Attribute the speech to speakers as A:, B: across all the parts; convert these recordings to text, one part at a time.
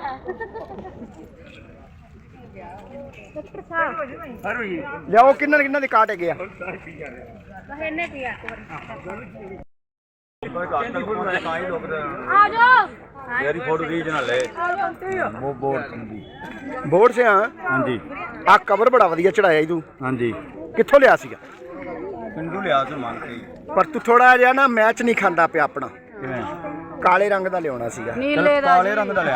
A: ਲਿਆਓ ਕਿੰਨਾ ਦੇ ਕਾਟ ਹੈਗੇ ਆ बोर्ड से हाँ हाँ जी आ कवर बड़ा वधिया चढ़ाया तू हाँ जी कित्थों लिया सीगा पिंडों लिया सी मांग के पर तू थोड़ा जिहा ना मैच नहीं खांदा पिया अपना काले रंग दा लियाना सीगा काले रंग दा लिया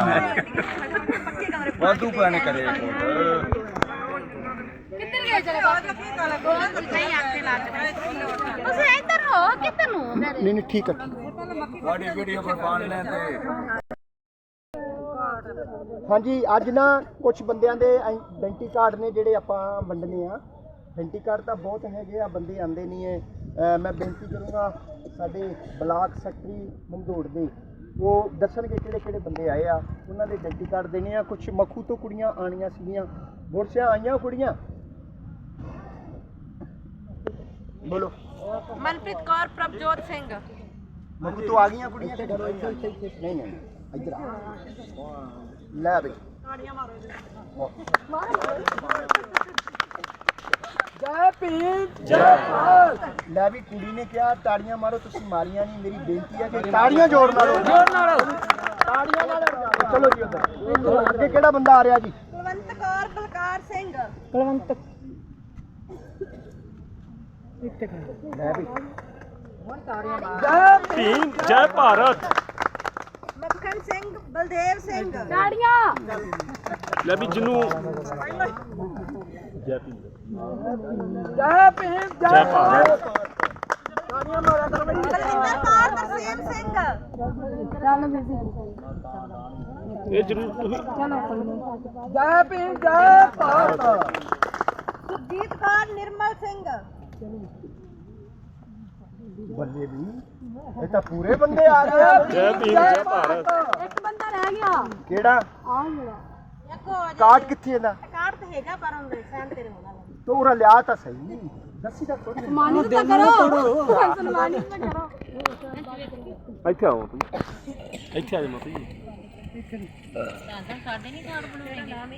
A: वाधू पैने करे नहीं ठीक है हाँ जी अज ना कुछ बंदियां दे आइडेंटिटी कार्ड ने जिहड़े आपां वंडने आ आइडेंटिटी कार्ड तो बहुत हैगे आ बंदे आंदे नहीं है मैं बेनती करूँगा साडे ब्लाक सैकटरी मंदोड़ दे वो दसणगे किहड़े बंदे आए आ उन्हां दे आइडेंटिटी कार्ड देने आ कुछ मखू तो कुड़ियां आनियां सीगियां बुरसियां आईयां कुड़ियां बोलो
B: मनप्रीत कौर प्रभजोत सिंह
A: मखू तो आ गई कुड़ियां नहीं इधर लै बई जय भीम जय भारत लै भी कुड़ी ने कहा ताड़ियां मारो तुसीं मारियां नहीं मेरी बेनती है कि ताड़ियां जोर नालो ताड़ियां नाल चलो जी उधर अगे केड़ा बंदा आ रहा जी
B: कुलवंत कौर बलकार सिंह
A: कुलवंत लै भी जय भीम जय भारत
B: मक्खन सिंह बलदेव सिंह
C: ताड़ियां
A: लै भी जिन्नू जय भीम जय भारत ताड़ियां मारा कर भाई
B: बलविंदर कौर तरसेम सिंह
A: ये जरूर चलो जय भीम जय भारत
B: सुरजीत कौर निर्मल सिंह
A: बल्ले भी ये तो पूरे बंदे आ रहे हैं जय भीम जय भारत
C: एक बंदा रह गया
A: केड़ा
C: आ जेड़ा
A: कार्ड किथे है ना
B: कार्ड तो हैगा पर हम साइन तेरे होना
A: तो उरा लिया तो सही दसी तक थोड़ी
C: सम्मानित तो करो सम्मानित तो करो
A: ਇੱਥੇ ਆਓ ਤੁਸੀਂ ਇੱਥੇ ਆ ਜਾਓ ਮਾਤਾ ਜੀ
B: ਸਾਡੇ ਨਹੀਂ ਕਾਰਡ ਬਣਾਉਣੇ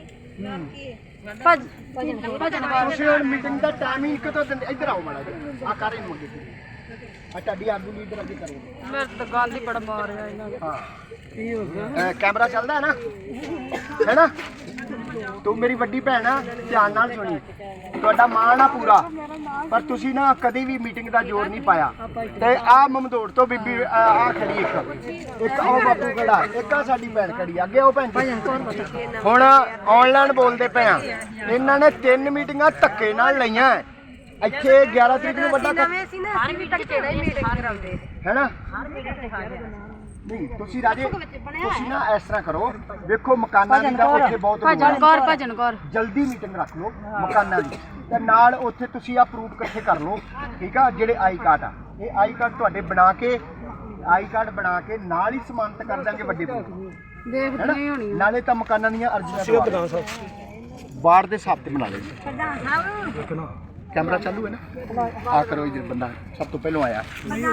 C: ਭਜਨ
A: ਤੁਸੀਂ ਹੁਣ ਮੀਟਿੰਗ ਦਾ ਟਾਈਮਿੰਗ ਕਿਤੋਂ ਦਿੰਦੇ ਇੱਧਰ ਆਓ ਮਾੜਾ ਜੀ ਆ ਕਰ ਇਹਨੂੰ ਅੱਗੇ ਆ ਤੁਹਾਡੀ ਆਗੂ ਲੀਡਰ ਅੱਗੇ ਕਰੋ
C: ਮੇਰੇ ਤਾਂ ਗੱਲ ਹੀ ਬੜਾ ਮਾਰ ਰਿਹਾ ਇਹਨਾਂ ਦਾ
A: ਹਾਂ ਕੀ ਹੋ ਗਿਆ ਕੈਮਰਾ ਚੱਲਦਾ ਹੈ ਨਾ ਤੂੰ ਮੇਰੀ ਵੱਡੀ ਭੈਣ ਆ ਧਿਆਨ ਨਾਲ ਸੁਣੀ ਤੁਹਾਡਾ ਮਾਣ ਆ ਪੂਰਾ ਪਰ ਤੁਸੀਂ ਨਾ ਕਦੀ ਵੀ ਮੀਟਿੰਗ ਦਾ ਜ਼ੋਰ ਨਹੀਂ ਪਾਇਆ ਤੇ ਆ ਮਮਦੋੜ ਤੋਂ ਬੀਬੀ ਆ ਖੜੀ ਇੱਕ ਉਹ ਬਾਪੂ ਖੜਾ ਇੱਕ ਆ ਸਾਡੀ ਭੈਣ ਖੜੀ ਅੱਗੇ ਉਹ ਭੈਣ ਜੀ ਹੁਣ ਆਨਲਾਈਨ ਬੋਲਦੇ ਪਏ ਆ ਇਹਨਾਂ ਨੇ 3 ਮੀਟਿੰਗਾਂ ਧੱਕੇ ਨਾਲ ਲਈਆਂ ਇੱਥੇ 11 ਤਰੀਕ ਨੂੰ ਵੱਡਾ
B: ਨਵੇਂ ਸੀ ਨਾ ਹਰ ਮੀਟਿੰਗ ਕਿਹੜਾ ਹੀ ਮੀਟਿੰਗ ਕਰਾਉਂਦੇ
A: ਹੈਨਾ
B: ਹਰ ਮੀਟਿੰਗ ਤੇ ਹਾਜ਼ਰ
A: ਨਹੀਂ ਤੁਸੀਂ ਰਾਜੇ ਤੁਸੀਂ ਨਾ ਇਸ ਤਰ੍ਹਾਂ ਕਰੋ ਵੇਖੋ ਮਕਾਨਾਂ ਦੀ ਤਾਂ ਉੱਥੇ ਬਹੁਤ
C: ਭਜਨ ਕੌਰ
A: ਜਲਦੀ ਮੀਟਿੰਗ ਰੱਖ ਲਓ ਮਕਾਨਾਂ ਦੀ ਤੇ ਨਾਲ ਉੱਥੇ ਤੁਸੀਂ ਆ ਪ੍ਰੂਫ ਇਕੱਠੇ ਕਰ ਲਓ ਠੀਕ ਆ ਜਿਹੜੇ ਆਈ ਕਾਰਡ ਆ ਇਹ ਆਈ ਕਾਰਡ ਤੁਹਾਡੇ ਬਣਾ ਕੇ ਆਈ ਕਾਰਡ ਬਣਾ ਕੇ ਨਾਲ ਹੀ ਸਮਾਨਤ ਕਰ ਦਾਂਗੇ ਵੱਡੇ ਪ੍ਰੂਫ
C: ਦੇਖਦੀ ਹੋਣੀ
A: ਨਾਲੇ ਤਾਂ ਮਕਾਨਾਂ ਦੀਆਂ ਅਰਜ਼ੀਆਂ ਪ੍ਰਧਾਨ ਸਾਹਿਬ ਵਾਰਡ ਦੇ ਹਿਸਾਬ ਤੇ ਬਣਾ ਲੈਂਦੇ
B: ਪ੍ਰਧਾਨ ਸਾਹਿਬ
A: कैमरा चालू है ना आ करो इधर बंदा सब तो पहले आया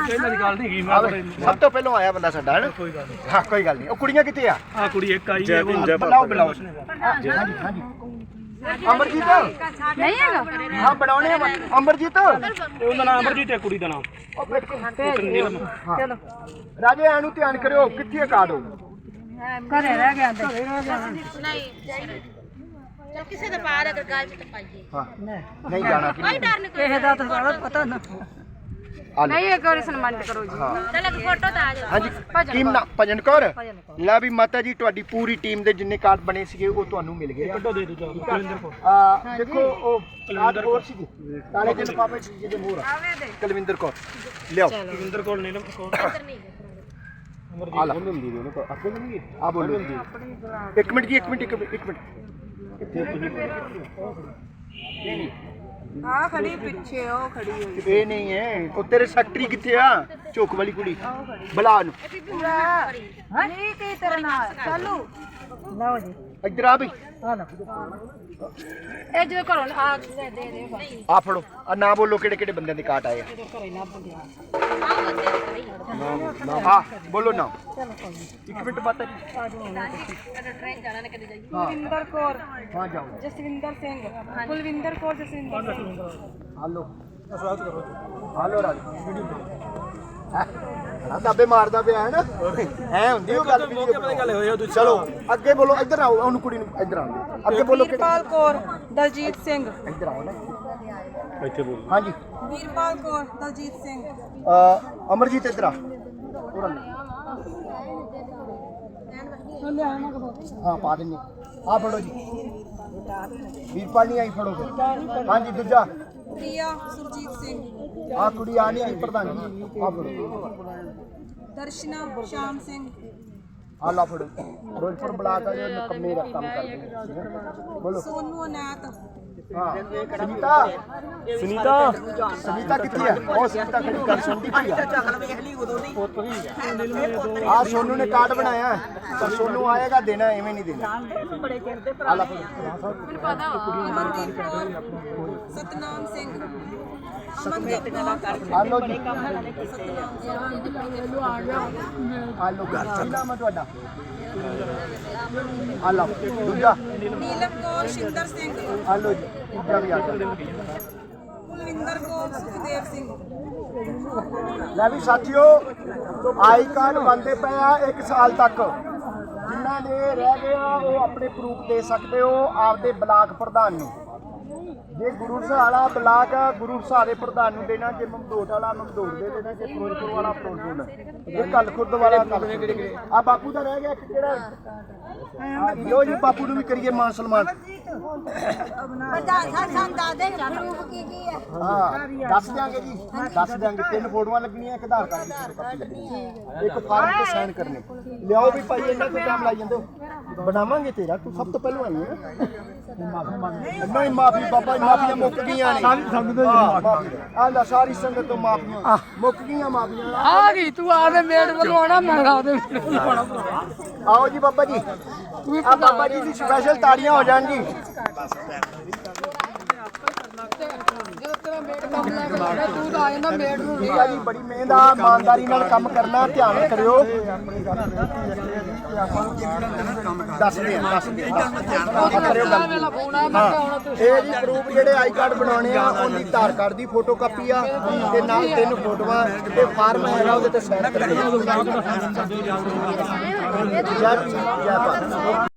A: सब तो पहले आया बंदा साडा है हाँ कोई गल नहीं ओ कुड़ियां किथे आ हां कुड़ी एक आई है बुलाओ बुलाओ हां जी हां जी अमरजीत
C: नहीं है
A: हां बनाने अमरजीत
D: ਉਹਦਾ ਨਾਮ ਅਮਰਜੀਤ ਹੈ ਕੁੜੀ ਦਾ ਨਾਮ
A: चलो राजे एनु ध्यान करियो किथे कार्ड हो
C: घरे रह गया
B: नहीं चल किसी ने पार अगर गाल से पाइए
A: हां नहीं जाना
B: कोई डर नहीं
C: ਕਿਸੇ ਦਾ ਤਾਂ ਸਾਰਾ ਪਤਾ ਨਾ ਨਹੀਂ ਇੱਕ ਵਾਰੀ ਸਨਮਾਨਿਤ ਕਰੋ ਜੀ
B: चल एक फोटो तो आ जाओ
A: ਹਾਂਜੀ ਟੀਮ ਨਾ ਭਜਨ ਕੌਰ ਲੈ ਵੀ ਮਾਤਾ ਜੀ ਤੁਹਾਡੀ ਪੂਰੀ ਟੀਮ ਦੇ ਜਿੰਨੇ ਕਾਰਡ ਬਣੇ ਸੀਗੇ ਉਹ ਤੁਹਾਨੂੰ ਮਿਲ ਗਏ
D: ਕੱਢੋ ਦੇ ਦਿਓ ਕੁਲਵਿੰਦਰ ਕੌਰ
A: ਦੇਖੋ ਉਹ ਕਾਰਡ ਹੋਰ ਸੀਗੇ ਕਾਲੇ ਦੇ ਲਿਫਾਫੇ ਚ ਜਿਹਦੇ ਮੋਹਰ ਕੁਲਵਿੰਦਰ ਕੌਰ ਲਿਆਓ
D: ਕੁਲਵਿੰਦਰ ਕੌਰ ਨੀਲਮ ਕੌਰ
A: ਆ ਲਾ ਹੁੰਦੀ ਨੇ ਉਹਨੂੰ ਆਪੇ ਨਹੀਂ ਆ ਬੋਲੋ ਇੱਕ ਮਿੰਟ ਜੀ ਇੱਕ ਮਿੰਟ ਕਿੱਥੇ ਤੁਸੀਂ ਨਹੀਂ
C: ਆ ਖੜੀ ਪਿੱਛੇ ਉਹ ਖੜੀ ਹੋਈ
A: ਇਹ ਨਹੀਂ ਹੈ ਉਹ ਤੇਰੇ ਸੈਕਟਰੀ ਕਿੱਥੇ ਆ ਝੋਕ ਵਾਲੀ ਕੁੜੀ ਬੁਲਾ ਨੂੰ
C: ਨਹੀਂ ਕੀ ਤੇਰੇ ਨਾਲ ਚਾਲੂ ਲਓ ਜੀ
A: ਇੱਧਰ ਆ ਵੀ
C: ਆ ਲਓ ਇਹ ਜਦੋਂ ਘਰੋਂ ਆ ਦੇ ਦੇ ਬਾਕੀ
A: ਆ ਫੜੋ ਆ ਨਾ ਬੋਲੋ ਕਿਹੜੇ ਕਿਹੜੇ ਬੰਦਿਆਂ ਦੇ ਕਾਟ ਆਏ ਆ
C: ਜਦੋਂ ਘਰੇ ਲੱਭ ਗਿਆ
A: ਹਾਂ ਬੋਲੋ ਨਾ
C: ਚਲੋ ਕੋਈ ਨਹੀਂ
A: 1 ਮਿੰਟ ਬਾਤ ਹੈ ਜੀ
C: ਆ ਜਾਓ
B: ਟ੍ਰੇਨ ਜਾਣਾ ਨੇ ਕਦੇ ਜਾਈਏ
A: ਹਾਂ
C: ਕੁਲਵਿੰਦਰ ਕੌਰ
A: ਹਾਂ ਜਾਓ
C: ਜਸਵਿੰਦਰ ਸਿੰਘ ਕੁਲਵਿੰਦਰ ਕੌਰ ਜਸਵਿੰਦਰ ਸਿੰਘ
A: ਹਾਲੋ ਹਾਲੋ ਰਾਜ ਆ ਦਾਬੇ ਮਾਰਦਾ ਪਿਆ ਹੈ ਨਾ ਐ ਹੁੰਦੀ ਉਹ ਗੱਲ ਵੀ ਚਲੋ ਅੱਗੇ ਬੋਲੋ ਇੱਧਰ ਆਓ ਉਹਨੂੰ ਕੁੜੀ ਨੂੰ ਇੱਧਰ ਆਓ ਅੱਗੇ ਬੋਲੋ
C: ਵੀਰਪਾਲ ਕੌਰ ਦਲਜੀਤ ਸਿੰਘ
A: ਇੱਧਰ ਆਓ ਨਾ
D: ਇੱਥੇ ਬੋਲ
A: ਹਾਂਜੀ
C: ਵੀਰਪਾਲ ਕੌਰ ਦਲਜੀਤ ਸਿੰਘ
A: ਅਮਰਜੀਤ ਇੱਧਰ ਆ ਹਾਂ ਪਾ ਦਿੰਨੇ ਆ ਫੜੋ ਜੀ ਵੀਰਪਾਲ ਨਹੀਂ ਆਈ ਫੜੋ ਫਿਰ ਹਾਂਜੀ ਦੂਜਾ
C: ਪ੍ਰਿਆ ਸੁਰਜੀਤ ਸਿੰਘ
A: ਆ ਕੁੜੀ ਆ ਨਹੀਂ ਆਈ ਪ੍ਰਧਾਨ ਜੀ ਆ ਫੜੋ
C: ਦਰਸ਼ਨਾ ਸ਼ਾਮ ਸਿੰਘ
A: ਆ ਲਾ ਫੜੋ ਫਿਰੋਜ਼ਪੁਰ ਬਲਾਕ ਆ ਜੋ ਨਕਮੇ ਦਾ ਕੰਮ ਕਰਦੇ ਨੇ ਬੋਲੋ
C: ਸੋਨੂ ਅਨੈਤ
A: ਹਾਂ ਸੁਨੀਤਾ ਸੁਨੀਤਾ ਕਿੱਥੇ ਹੈ ਉਹ ਸੁਨੀਤਾ ਖੜੀ ਕਰ ਸੁਣਦੀ ਪਈ ਆ ਆ ਸੋਨੂ ਨੇ ਕਾਰਡ ਬਣਾਇਆ ਪਰ ਸੋਨੂ ਆਏਗਾ ਦੇਣਾ ਐਵੇਂ ਨਹੀਂ ਦੇਣਾ ਆ ਲਾ ਫੜੋ
C: ਅਮਨਦੀਪ ਕੌਰ ਸਤਨਾਮ ਸਿੰਘ ਅਮਨਦੀਪ ਕੌਰ
A: ਆ ਲੋ ਜੀ
C: ਸਤਨਾਮ
A: ਆ ਲੋ ਕੀ ਨਾਮ ਹੈ ਤੁਹਾਡਾ ਆ ਲਓ ਦੂਜਾ
C: ਨੀਲਮ ਕੌਰ ਸ਼ਿੰਦਰ ਸਿੰਘ
A: ਆ ਲੋ ਜੀ ਦੂਜਾ ਵੀ ਆ ਗਿਆ
C: ਕੁਲਵਿੰਦਰ ਕੌਰ ਸੁਖਦੇਵ ਸਿੰਘ
A: ਲੈ ਵੀ ਸਾਥੀਓ ਆਈ ਕਾਰਡ ਬਣਦੇ ਪਏ ਆ 1 ਸਾਲ ਤੱਕ ਜਿਨ੍ਹਾਂ ਦੇ ਰਹਿ ਗਏ ਆ ਉਹ ਆਪਣੇ ਪ੍ਰੂਫ ਦੇ ਸਕਦੇ ਹੋ ਆਪਦੇ ਬਲਾਕ ਪ੍ਰਧਾਨ ਨੂੰ ਜੇ ਗੁਰੂ ਵਾਲਾ ਬਲਾਕ ਆ ਗੁਰੂ ਦੇ ਪ੍ਰਧਾਨ ਨੂੰ ਦੇਣਾ ਜੇ ਮਮਦੋਟ ਵਾਲਾ ਮਮਦੋਟ ਦੇ ਦੇਣਾ ਜੇ ਫਿਰੋਜ਼ਪੁਰ ਵਾਲਾ ਫਿਰੋਜ਼ਪੁਰ ਜੇ ਕੱਲ ਖੁਰਦ ਵਾਲਾ ਕੱਲ ਆ ਬਾਪੂ ਦਾ ਰਹਿ ਗਿਆ ਇੱਕ ਕਿਹੜਾ ਲੋ ਜੀ ਬਾਪੂ ਨੂੰ ਵੀ ਕਰੀਏ ਮਾਨ ਸਨਮਾਨ
B: ਪ੍ਰਧਾਨ ਸਾਹਿਬ ਦਾਦੇ ਪ੍ਰੂਫ ਕੀ ਹੈ
A: ਹਾਂ ਦੱਸ ਦਿਆਂਗੇ ਜੀ ਦੱਸ ਦਿਆਂਗੇ 3 ਫੋਟੋਆਂ ਲੱਗਣੀਆਂ ਇੱਕ ਆਧਾਰ ਕਾਰਡ ਦੀ ਕਾਪੀ ਲੱਗਣੀ ਇੱਕ ਫਾਰਮ ਤੇ ਸਾਈਨ ਕਰਨੇ ਲਿਆਓ ਵੀ ਭਾਈ ਇਹਨਾਂ ਤੋਂ ਟਾਈਮ ਲਾਈ ਜਾਂਦੇ ਹੋ ਬਣਾਵਾਂਗੇ ਤੇਰਾ ਤੂੰ ਸਭ ਤੋਂ ਪਹਿਲਾਂ ਆਈ ਹੈ ਮਾਫੀ ਮੰਗ ਨਹੀਂ ਮਾਫੀ ਬਾਬਾ ਮਾਫੀਆਂ ਮੁੱਕ ਗਈਆਂ ਨੇ ਆ ਲੈ ਸਾਰੀ ਸੰਗਤ ਤੋਂ ਮਾਫੀਆਂ ਮੁੱਕ ਗਈਆਂ ਮਾਫੀਆਂ
C: ਆ ਗਈ ਤੂੰ ਆਦੇ ਮੇੜ ਵੱਲੋਂ ਆਣਾ ਮੈਂ ਆਦੇ
A: ਆਓ ਜੀ ਬਾਬਾ ਜੀ ਆ ਬਾਬਾ ਜੀ ਦੀ ਸਪੈਸ਼ਲ ਤਾੜੀਆਂ ਹੋ ਜਾਣ ਜੀ
C: ਜਦੋਂ ਤੇਰਾ ਮੇੜ ਕੰਮ ਲੈ ਕੇ ਜਾਣਾ ਤੂੰ ਤਾਂ ਆ ਜਾਂਦਾ ਮੇੜ ਨੂੰ
A: ਠੀਕ ਆ ਜੀ ਬੜੀ ਮਿਹਨਤ ਆ ਇਮਾਨਦਾਰੀ ਨਾਲ ਕੰਮ ਕਰਨਾ ਧਿਆਨ ਕਰਿਓ ਦੱਸਦੇ ਆ ਕਰਿਓ ਗੱਲ ਹਾਂ ਇਹ ਜੀ ਪ੍ਰੂਫ ਜਿਹੜੇ ਆਈ ਕਾਰਡ ਬਣਾਉਣੇ ਆ ਉਹਦੀ ਆਧਾਰ ਕਾਰਡ ਦੀ ਫੋਟੋ ਕਾਪੀ ਆ ਤੇ ਨਾਲ 3 ਫੋਟੋਆਂ ਤੇ ਫਾਰਮ ਹੈਗਾ ਉਹਦੇ ਤੇ ਸਾਈਨ ਕਰਨੇ ਜੈ ਭੀਮ, ਜੈ ਭਾਰਤ।